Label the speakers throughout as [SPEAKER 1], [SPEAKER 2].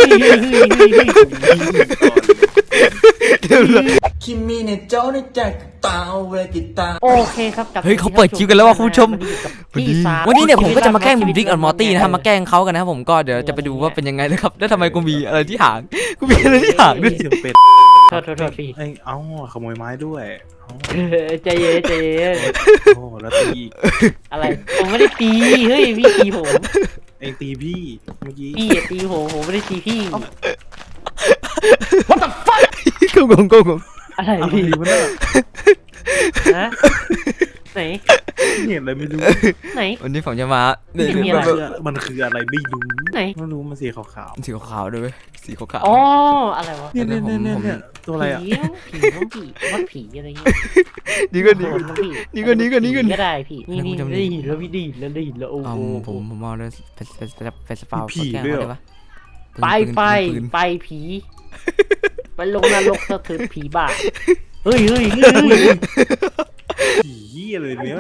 [SPEAKER 1] คิมิเนโจ้ในใจตาเวกิตา
[SPEAKER 2] โอเคครับ
[SPEAKER 3] เฮ้ยเขาเปิดคลิปกันแล้วว่ะคุณผู้ชมวันนี้เนี่ยผมก็จะมาแกล้งริกออนมอร์ตี้นะครับมาแกล้งเขากันนะครับผมก็เดี๋ยวจะไปดูว่าเป็นยังไงนะครับแล้วทำไมกูมีอะไรที่หางกูมีอะไรที่หางด้วย
[SPEAKER 4] เสียงเป็ด
[SPEAKER 2] โทษพี่
[SPEAKER 4] เอ้าขโมยไม้ด้วย
[SPEAKER 2] ใจเย็น
[SPEAKER 4] โอ้แล้วตี
[SPEAKER 2] อะไรผมไม่ได้ตีเฮ้ยพี่ตีผม
[SPEAKER 4] เองตีพี่เมื่อกี้
[SPEAKER 2] พี่ตีผมไม่ได้ตีพี่
[SPEAKER 3] กูงง
[SPEAKER 2] อะไร
[SPEAKER 4] อะไร
[SPEAKER 2] พี่
[SPEAKER 4] วะเนี่ย
[SPEAKER 2] ฮะไหน
[SPEAKER 4] เห็นอะไรไม่รู้
[SPEAKER 2] ไหน
[SPEAKER 3] วันนี้ผมจะมา
[SPEAKER 2] มีอะไร
[SPEAKER 4] มันคืออะไรไม่รู้
[SPEAKER 2] ไหน
[SPEAKER 4] ไม่รู้มันสีขาว
[SPEAKER 3] สีขาวๆด้วยสีขาว
[SPEAKER 2] อ๋ออะไรวะ
[SPEAKER 4] ๆเนี่ยตัวอะไรอ่ะ
[SPEAKER 2] ผีต้องผีวัดผีอะไรเงี้ย
[SPEAKER 3] นี่ก็
[SPEAKER 2] นี่ก็ได้พี่นี่ได้หินแล้วพี่ได้หินแล้วโอ้โห
[SPEAKER 3] ผมเอาเลยเป็นสปาวผีไปลงนรกสะเทือนผีบ้าเฮ้ย
[SPEAKER 4] ผีอะไรเนี่ย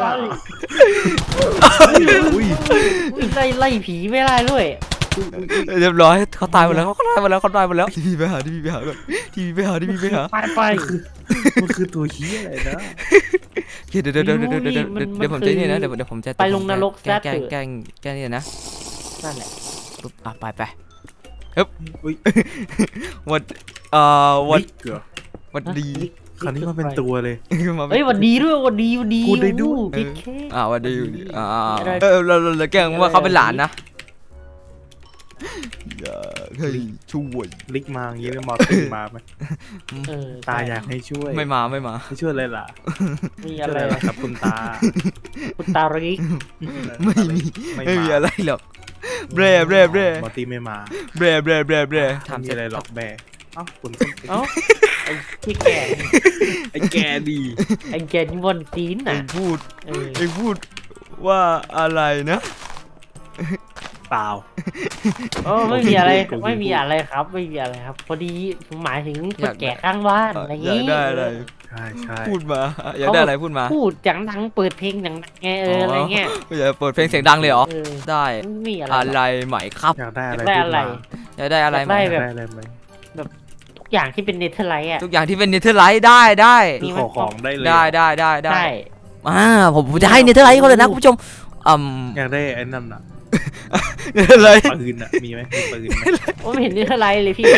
[SPEAKER 2] ไล่ผีไม่ได้ด้วย
[SPEAKER 3] เรียบร้อยเขาตายหมดแล้วทีวีไปหาก่อนทีวีไปหา
[SPEAKER 2] ไป
[SPEAKER 4] มันคือตัวเหี้ยอะไรนะ
[SPEAKER 3] เดี๋ยวผมจะนี่นะเดี๋ยวผมจะแกล้งนี่นะ
[SPEAKER 2] นั่นแหละ
[SPEAKER 3] ปุ๊บไปฮึบวัดดี
[SPEAKER 4] คราวนี้มันเป็นตัวเลย
[SPEAKER 2] เฮ้ยวันดีด้วยวันดี
[SPEAKER 4] พูดได้ด้วย
[SPEAKER 2] พี่แค่
[SPEAKER 3] วัดดีอยู่ดีเราแกล้งว่าเขาเป็นหลานนะเฮ้ยช่วย
[SPEAKER 4] ลิกมาอย่างนี้เลยมอตีมาไหมตาอยากให้ช่วย
[SPEAKER 3] ไม่มา
[SPEAKER 4] ให้ช่วยอะไรล่ะ
[SPEAKER 2] มีอะไร
[SPEAKER 4] ครับคุณตา
[SPEAKER 2] ริก
[SPEAKER 3] ไม่มีอะไรหรอกเบร
[SPEAKER 4] มอตีไม่มา
[SPEAKER 3] เบร
[SPEAKER 4] ทำอะไรหรอกแบคุณ
[SPEAKER 2] เอ้าไอ้ที่แก่
[SPEAKER 4] ไอ้แกดี
[SPEAKER 2] ไอ้แกนี่บนตีนน่ะ
[SPEAKER 3] พูดว่าอะไรนะ
[SPEAKER 4] เปล่า
[SPEAKER 2] ไม่มีอะไรครับพอดีผมหมายถึงคนแก่ข้างบ้านอะไรอย่างงี้
[SPEAKER 3] ได้อะไร
[SPEAKER 4] ใช่
[SPEAKER 3] พูดมาอยากได้อะไรพูดมา
[SPEAKER 2] พูดจังดังเปิดเพลงดังไงอะไรเงี้ย
[SPEAKER 3] อยากเปิดเพลงเสียงดังเลยเหรอได้อะไรใหม่ครับ
[SPEAKER 4] อยากได้อะไร
[SPEAKER 3] อยากได้อะไร
[SPEAKER 2] ได้แบบทุกอย่างที่เป็นเนเธอร์ไลท์อะ
[SPEAKER 3] ทุกอย่างที่เป็นเนเธอร์ไลท์ได้
[SPEAKER 4] ขอของได้เลย
[SPEAKER 3] ได้ผมจะให้เนเธอร์ไลท์เขาเลยนะคุณผู้ชม
[SPEAKER 4] อยากได้ไอ้นั่นอ่ะ
[SPEAKER 3] อะไร
[SPEAKER 4] ปืนอ่ะมีไหมมีปืนไหม
[SPEAKER 2] ผมเห็นเนเธอร์ไลท์เลยพี่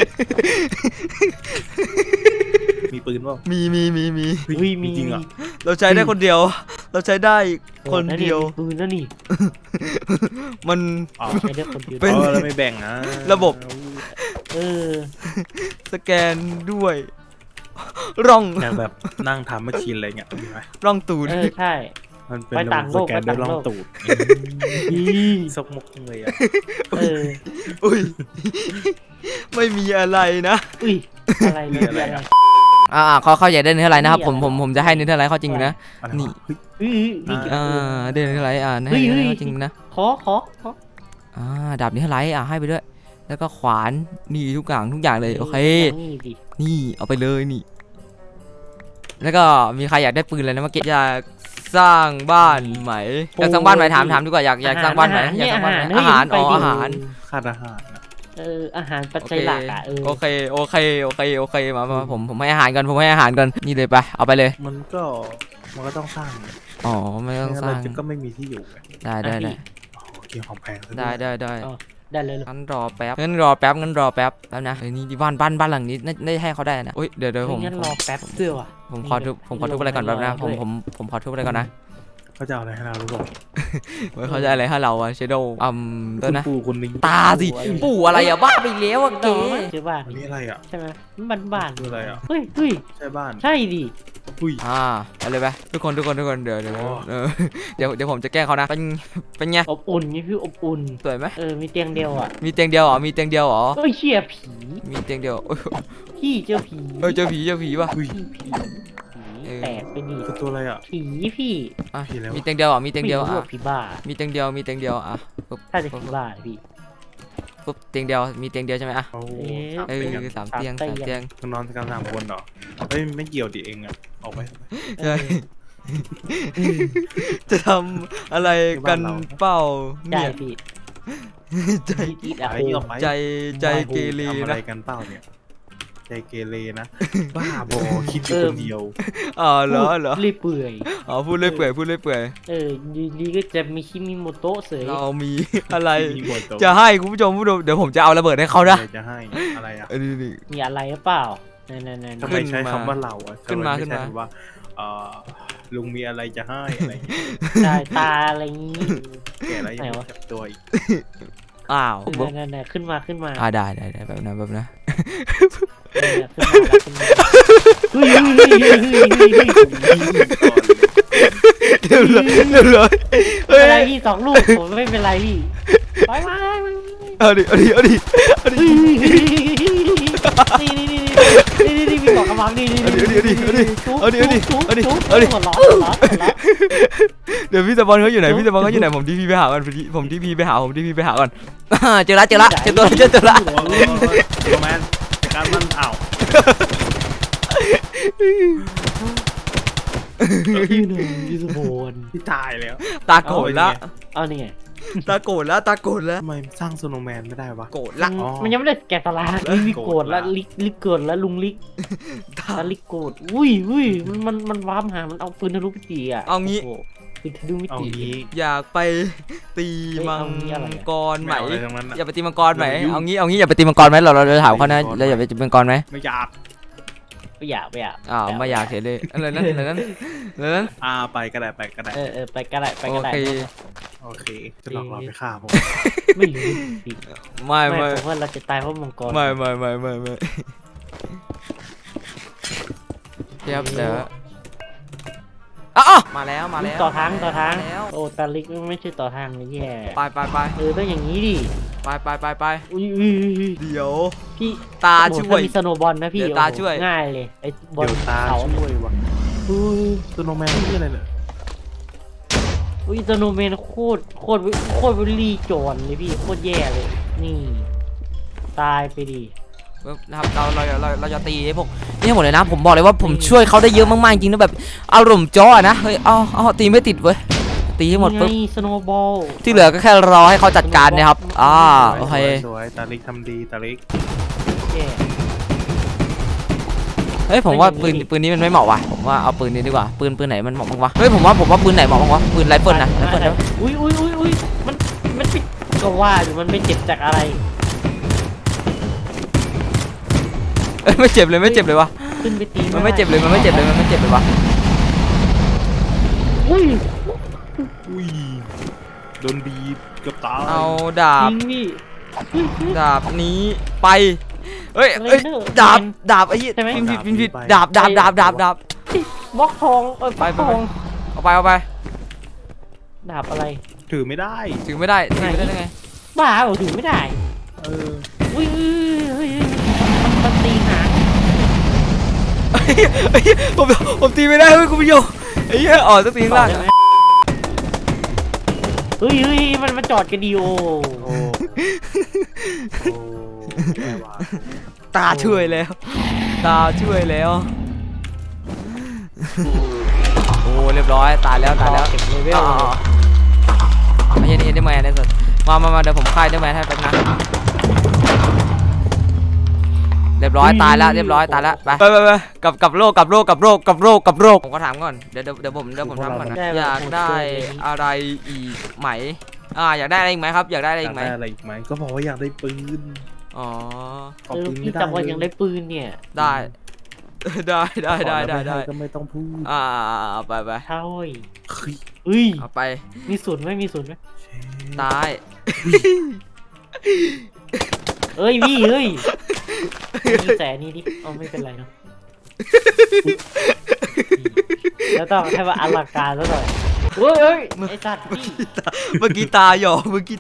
[SPEAKER 4] มีปืนเปล่า
[SPEAKER 3] มี
[SPEAKER 4] จริงอ่ะ
[SPEAKER 3] เราใช้ได้คนเดียวปืนนั่นนี่มัน
[SPEAKER 2] ใช้ได้คนเดียว
[SPEAKER 4] เป็นแล้วไม่แบ่งนะ
[SPEAKER 3] ระบบสแกนด้วยร่อง
[SPEAKER 4] แบบนั่งทำแมชชีนอะไรเงี้ยมีไหม
[SPEAKER 3] ร่องตูด
[SPEAKER 2] ใช่
[SPEAKER 4] มันเป็นระบบสแกนด้วยร่องตูดซกมกเลยอ่ะ
[SPEAKER 3] อุ้ยไม่มีอะไรนะ
[SPEAKER 2] อะไร
[SPEAKER 3] เขาอยากได้เนื้ออะไรนะครับผมจะให้เนื้ออะไรเขาจริงนะนี่ได้เนื้ออะไรให้เขาจริงนะ
[SPEAKER 2] ขอ
[SPEAKER 3] ดาบเนื้ออะไรให้ไปด้วยแล้วก็ขวานนี่ทุกอย่างเลยโอเคนี่เอาไปเลยนี่แล้วก็มีใครอยากได้ปืนอะไรนะเมื่อกี้อยากสร้างบ้านไหมอยากสร้างบ้านไหมถามดีกว่าอยากสร้างบ้านไหมอยากสร้างบ้านอาหาร
[SPEAKER 4] ขาดอาหาร
[SPEAKER 2] อาหารปัจจัยหลัก
[SPEAKER 3] โอเคมาผมให้อาหารกันนี่เลยไปเอาไปเลย
[SPEAKER 4] มันก็ต้องสร้าง
[SPEAKER 3] ไม่ต้องสร้าง
[SPEAKER 4] ก็ไม่มีที่อยู่
[SPEAKER 3] ได้
[SPEAKER 4] เกี่ยวของแพง
[SPEAKER 3] ได้
[SPEAKER 2] เลย
[SPEAKER 3] งั้นรอแป๊บแล้วนะนี่ที่บ้านหลังนี้ได้ให้เขาได้นะเดี๋ยวผม
[SPEAKER 2] งั้นรอแป๊บเสื้อว่ะ
[SPEAKER 3] ผมขอทุบอะไรก่อนแป๊บนะผมขอทุบอะไรก่อนนะ
[SPEAKER 4] เขาจะเอาอะไรให้เรารู้ป่ะ
[SPEAKER 3] เขาจะอะไรให้เราอะเชโดตัวนะ
[SPEAKER 4] ปู่คนนี้
[SPEAKER 3] ตาสิปู่อะไรอะบ้าไปแล้วอะเก๋
[SPEAKER 2] ใช่บ้าน
[SPEAKER 4] นี่อะไรอะ
[SPEAKER 2] ใช่ไหมบ้าน
[SPEAKER 4] คืออะไรอะ
[SPEAKER 2] เฮ้ย
[SPEAKER 4] ใช่บ้าน
[SPEAKER 2] ใช่ดิ
[SPEAKER 3] อะไรไปทุกคนเดี๋ยวผมจะแกล้งเขานะเป็นไง
[SPEAKER 2] อบอุ่นนี่คืออบอุ่น
[SPEAKER 3] สวยไหม
[SPEAKER 2] มีเตียงเดียวอ่ะ
[SPEAKER 3] มีเตียงเดียวเหรอ
[SPEAKER 2] เชี่ยผี
[SPEAKER 3] มีเตียงเดียว
[SPEAKER 2] พี่เจอผี
[SPEAKER 3] ป่ะ
[SPEAKER 2] แตกไปดิ
[SPEAKER 4] ตัวอะไรอ่ะ
[SPEAKER 2] ผีพี่
[SPEAKER 3] มีเตียงเดียว
[SPEAKER 2] ผีบ้า
[SPEAKER 3] มีเตียงเดียว
[SPEAKER 2] ถ้าจะผีบ้าพี่
[SPEAKER 3] ปุ๊บเตียงเดียวมีเตียงเดียวใช่ไหม3 เตียง
[SPEAKER 4] นอนกัน3 คนเหรอไม่เกี่ยวดิเองอ่ะออกไป
[SPEAKER 3] ใช่จะทำอะไรกันเปล่า
[SPEAKER 2] เนี่ย
[SPEAKER 3] ใจ
[SPEAKER 2] อีทอะ
[SPEAKER 4] ไป
[SPEAKER 2] โห
[SPEAKER 4] ออกไป
[SPEAKER 3] ใจเกเร
[SPEAKER 4] ทำอะไร
[SPEAKER 3] นะ
[SPEAKER 4] กันเปล่าเนี่ยใจเกเรนะบ้าบอคิดอยู่คนเดียว
[SPEAKER 3] อ๋อเหรอ
[SPEAKER 2] รีบเปื่อย
[SPEAKER 3] อ๋อพูดเรื่อยเปื่อยพูดเรื่อยเปื่อย
[SPEAKER 2] อยู่ดีก็จะมีคิมิโมโตะเสย
[SPEAKER 3] เรามีอะไร
[SPEAKER 4] มีหมดตัว
[SPEAKER 3] จะให้คุณผู้ชมผู้ชมเดี๋ยวผมจะเอาระเบิดให้เขานะ
[SPEAKER 4] อะไรจะให้อะไรอ่ะ
[SPEAKER 3] นี่
[SPEAKER 2] มีอะไรหรือเปล่านั่น
[SPEAKER 4] ทำไมใช้คำว่าเราอ่ะ
[SPEAKER 3] ขึ้นมา
[SPEAKER 4] ทำไ
[SPEAKER 3] ขึ้นมา
[SPEAKER 4] ไใช่ว่าลุงมีอะไรจะให้อะไรอย่างเงี้ย
[SPEAKER 2] สายตาอะไรงี้
[SPEAKER 4] แก่แล้วยังไม่จับตัวอีก
[SPEAKER 3] อ้าว
[SPEAKER 2] นั่นขึ้นมาขึ้นมา
[SPEAKER 3] ได้แบบนั้น
[SPEAKER 2] ขึ้นมา
[SPEAKER 3] เรียบร้อย
[SPEAKER 2] ไม่เป็นไรพี่2 ลูกผมไม่เป็นไรพี่ไป
[SPEAKER 3] เอาดิ
[SPEAKER 2] นี่พี่บอกกำลังนี่หัวล้อ
[SPEAKER 3] เดี๋ยวพี่ตะบอลเขาอยู่ไหนผมที่พี่ไปหาก่อนผมที่พี่ไปหาก่อนเจอละเจอตัวละ
[SPEAKER 4] โรแมนการมันอ้าว
[SPEAKER 2] พี่สุพล
[SPEAKER 4] พี่ตายแล้ว
[SPEAKER 3] ตาโกรธละ
[SPEAKER 2] เอานี่ไง
[SPEAKER 3] ตาโกรธละ
[SPEAKER 4] ทำไมสร้างโซโนแมนไม่ได้วะ
[SPEAKER 3] โกรธละ
[SPEAKER 2] มันยังไม่ได้แกะสลักลิกโกรธแล้วลิกโกรธแล้วลุงลิกลิกโกรธอุ้ยมันว้ามหามันเอาปืนทะลุมิติอ่ะ
[SPEAKER 3] เอางี้
[SPEAKER 2] ปืนทะลุมิ
[SPEAKER 4] เอา
[SPEAKER 2] ติ
[SPEAKER 4] งี้
[SPEAKER 3] อยากไปตีมังกรไหม
[SPEAKER 4] ไม่เอาอะไรทั้งนั้นอะ
[SPEAKER 3] อย่าไปตีมังกรไหมเอางี้อย่าไปตีมังกรไหมเราถามเขานะเราอย่าไปตีมังกรไหม
[SPEAKER 4] ไม่อยาก
[SPEAKER 2] ไม่อยาก
[SPEAKER 3] อ้าวไม่อยากเห็นเลยอะไรนั้น
[SPEAKER 4] ไปก็ได้
[SPEAKER 2] ไปก็ได้
[SPEAKER 3] โอเค
[SPEAKER 4] โอเคจะหลอกเราไปฆ่าผม
[SPEAKER 2] ไม่รู้
[SPEAKER 3] ไม่
[SPEAKER 2] ผมว่าเราจะตายเพราะมังกร
[SPEAKER 3] ไม่เดี๋ยวมาแล้ว
[SPEAKER 2] ต่อทาง
[SPEAKER 3] แล้ว
[SPEAKER 2] โอ้ตาลิกไม่ใช่ต่อทางเลยแย่
[SPEAKER 3] ไป
[SPEAKER 2] ต้องอย่างนี้ดิ
[SPEAKER 3] ไป
[SPEAKER 2] อุ้ย
[SPEAKER 3] เดี๋ยว
[SPEAKER 2] พี่
[SPEAKER 3] ตาช่วย
[SPEAKER 2] มีสโนบอลนะพี่
[SPEAKER 3] เดี๋ยวตาช่วย
[SPEAKER 2] ง่ายเลยไอ้บอล
[SPEAKER 4] เดี๋ยวตา
[SPEAKER 2] เขา
[SPEAKER 4] ช่วยวะโซโนแมนนี่อะไรเนี่ย
[SPEAKER 2] อุ้ยสโนแมนโคตรวิลลี่โจรเลยพี่โคตรแย่เลย นี่ ตายไปดิ
[SPEAKER 3] นะครับเราจะตีพวกนี่ให้หมดเลยนะผมบอกเลยว่าผมช่วยเขาได้เยอะมากๆจริงนะแบบอารมณ์จ้อนะเฮ้ยเอาตีไม่ติดเว้ยตีให้หมดปุ๊บ
[SPEAKER 2] สโนบอล
[SPEAKER 3] ที่เหลือก็แค่รอให้เขาจัดการนะครับโอเค
[SPEAKER 4] สวยตาลิกทำดีตาลิก
[SPEAKER 2] แย่
[SPEAKER 3] เฮ้ยผมว่าปืนนี้มันไม่เหมาะว่ะผมว่าเอาปืนนี้ดีกว่าปืนไหนมันเหมาะบ้างวะเฮ้ยผมว่าปืนไหนเหมาะบ้างวะปืนไรเฟิลนะไรเฟิลนะ
[SPEAKER 2] อุ้ยมันปิดก็ว่าอยู่มันไม่เจ็บจากอะไร
[SPEAKER 3] ไม่เจ็บเลยวะ
[SPEAKER 2] ขึ้นไปตี
[SPEAKER 3] มันไม่เจ็บเลยวะ
[SPEAKER 2] อุ้ย
[SPEAKER 4] โดนบีบเกือบตาย
[SPEAKER 3] เอาดาบ
[SPEAKER 2] ยิงพี่
[SPEAKER 3] ดาบนี้ไปเฮ้ยดาบไอ้ยี่ผิดดาบบ
[SPEAKER 2] ล็อกทองบล็อกทอง
[SPEAKER 3] เอาไป
[SPEAKER 2] ดาบอะไร
[SPEAKER 4] ถือไม่ได้
[SPEAKER 3] ถือไม่ได้ไง
[SPEAKER 2] บ้าเหรอถือไม่ได้ อุ้ยมันตีหาง
[SPEAKER 3] ผมตีไม่ได้เฮ้ยคุณผู้ชมไอ้เหี้ยสักทีข้างล่าง
[SPEAKER 2] เฮ้ยมันจอดกันดีโอ
[SPEAKER 4] แย่ว่ะ
[SPEAKER 3] ตาช่วยแล้วโอ้เรียบร้อยตายแล้ว
[SPEAKER 2] เก็บเลเวล
[SPEAKER 3] ไม่ใช่ได้แมนได้สุดมาเดี๋ยวผมค่ายได้แมนให้แป๊บนะเรียบร้อยตายแล้วไปกับโรคผมก็ถามก่อนเดี๋ยวผมถามก่อนนะอยากได้อะไรอีกไหมอยากได้อะไรอีกไหมครับอยากได้อะไรอีกไหม
[SPEAKER 4] อะไรอีกไหมก็บอกว่าอยากได้ปืน
[SPEAKER 3] อ๋อ
[SPEAKER 4] ขอปืนไม่
[SPEAKER 2] พี่
[SPEAKER 4] ได้
[SPEAKER 2] จำว่ายังได้ปืนเนี่ย
[SPEAKER 3] ได้
[SPEAKER 4] ก็ไม่ต้องพูด
[SPEAKER 3] ไป
[SPEAKER 2] เท่า
[SPEAKER 4] เฮ้ย
[SPEAKER 2] เฮ้ย
[SPEAKER 3] เอาไป
[SPEAKER 2] มีศูนย์ไหม
[SPEAKER 3] ตาย
[SPEAKER 2] เอ้ยพี่เฮ้ยมีแสนนี่ดิไม่เป็นไรเนาะแล้วต้องให้ว่าอลังการซะหน่อยเฮ้ยไอ้สัตว์พี่
[SPEAKER 3] เมื่อกี้ตาหยอก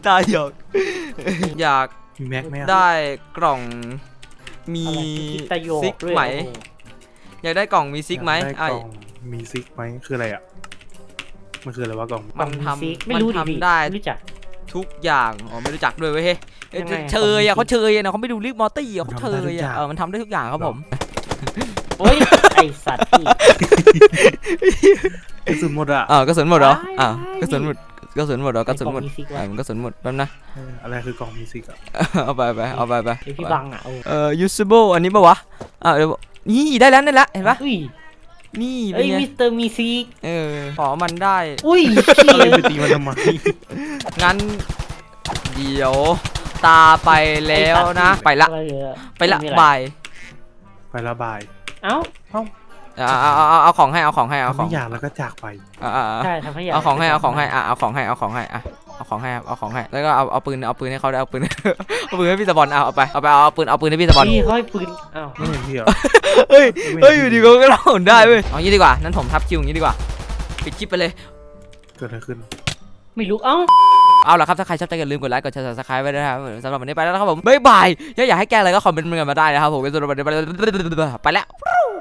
[SPEAKER 3] อยาก
[SPEAKER 4] มีแม็กไหม
[SPEAKER 3] ได้กล่องมีซิกไหมอยากได้กล่องมีซิกไหม
[SPEAKER 4] กล่องมีซิกไหมคืออะไรอ่ะมันคืออะไรวะกล่อง
[SPEAKER 3] มันท
[SPEAKER 2] ไม่รู้ดิ
[SPEAKER 3] ำได้
[SPEAKER 2] รู้จัก
[SPEAKER 3] ทุกอย่างไม่รู้จักด้วยเว้ยเชยเขาเชยนะเขาไม่ดูลิกมอตี้เขาเชยมันทำได้ทุกอย่างครับผม
[SPEAKER 2] โอ้ยไอสัตว์พี่
[SPEAKER 4] กระสุนหมดอ่ะ
[SPEAKER 3] กระสุนหมดเหรอกระสุนหมดกระสุนหมดเหรอกระสุนหมด
[SPEAKER 2] ในกล่องมีซิกวะ
[SPEAKER 3] มันกระสุนหมดแป๊บนะ
[SPEAKER 4] อะไรคือกล่องมิวสิกอ่ะ
[SPEAKER 3] เอาไปเอาไป
[SPEAKER 2] ไอพี่บังอ่ะโอ้
[SPEAKER 3] usable อันนี้ปะวะเดี๋ยวนี่ได้แล้วเห็นปะ
[SPEAKER 2] อุ้ย
[SPEAKER 3] นี่เป็
[SPEAKER 2] เอ้
[SPEAKER 3] น
[SPEAKER 2] ย
[SPEAKER 3] ไง
[SPEAKER 2] มิสเตอร์มีซิก
[SPEAKER 3] ขอมันได้
[SPEAKER 2] อุ้ย
[SPEAKER 4] อะไรไปตีมันทำไม
[SPEAKER 3] งั้นเดี๋ยวตาไปแล้วนะ ไปละ
[SPEAKER 2] อะไรเหรอ
[SPEAKER 3] ไปละ
[SPEAKER 2] ม่มีอร
[SPEAKER 3] บาย
[SPEAKER 4] ไประบาย
[SPEAKER 2] เอ้า
[SPEAKER 3] เอาของให้เอาของ
[SPEAKER 4] ไม่อยากแล้วก็จากไป
[SPEAKER 2] ใช่ทำให้อยาก
[SPEAKER 3] เอาของให้เอาของให้เอาของให้แล้วก็เอาปืนให้เขาได้เอาปืน เอาปืนให้พี่ตะบอลเอาปืนให้พี่ตะบอล
[SPEAKER 2] พี่เขาให้ปืนอ้าว
[SPEAKER 4] ไม่เห็นพี่เหรอ
[SPEAKER 3] เฮ้ยอยู่ดีก็เราได้เว้ยเอางี้ดีกว่านั้นผมทับคิวอย่างนี้ดีกว่าปิดคลิปไปเลย
[SPEAKER 4] เกิดอะไรขึ้น
[SPEAKER 2] ไม่รู้เอ้า
[SPEAKER 3] เอาล่ะครับถ้าใครชอบใจอย่าลืมกดไลค์กดแชร์ subscribe ไว้ด้วยนะครับสำหรับวันนี้ไปแล้วนะครับผมบ๊ายบายอยากให้แกอะไรก็คอมเมนต์มากันมาได้นะครับผมไปแล้ว